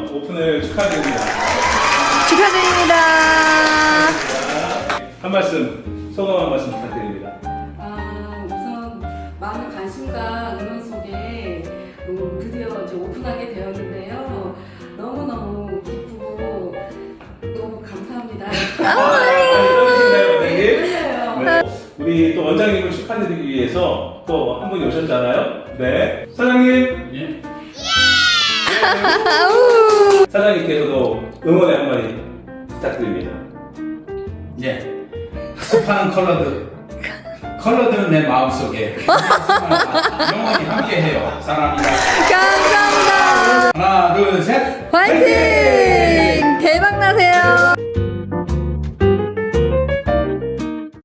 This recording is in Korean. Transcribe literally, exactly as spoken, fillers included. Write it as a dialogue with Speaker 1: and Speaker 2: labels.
Speaker 1: 오픈을 축하드립니다.
Speaker 2: 축하드립니다.
Speaker 1: 한 말씀, 소감 한 말씀 부탁드립니다.
Speaker 3: 아, 우선 많은 관심과 응원 속에 음, 드디어 이제 오픈하게 되었는데요. 너무너무 기쁘고 너무 감사합니다.
Speaker 1: 떨리시나요, 원장님?
Speaker 3: 떨려요.
Speaker 1: 네. 우리 또 원장님을 축하드리기 위해서 또 한 분이 오셨잖아요. 네. 사장님.
Speaker 4: 예?
Speaker 2: 아우.
Speaker 1: 사장님께서도 응원의 한마디 부탁드립니다.
Speaker 4: 예. 습한 컬러들. 컬러들은 내 마음속에 영원히 함께해요. 사랑합니다.
Speaker 2: 감사합니다.
Speaker 4: 하나, 둘, 셋.
Speaker 2: 화이팅! 대박 나세요.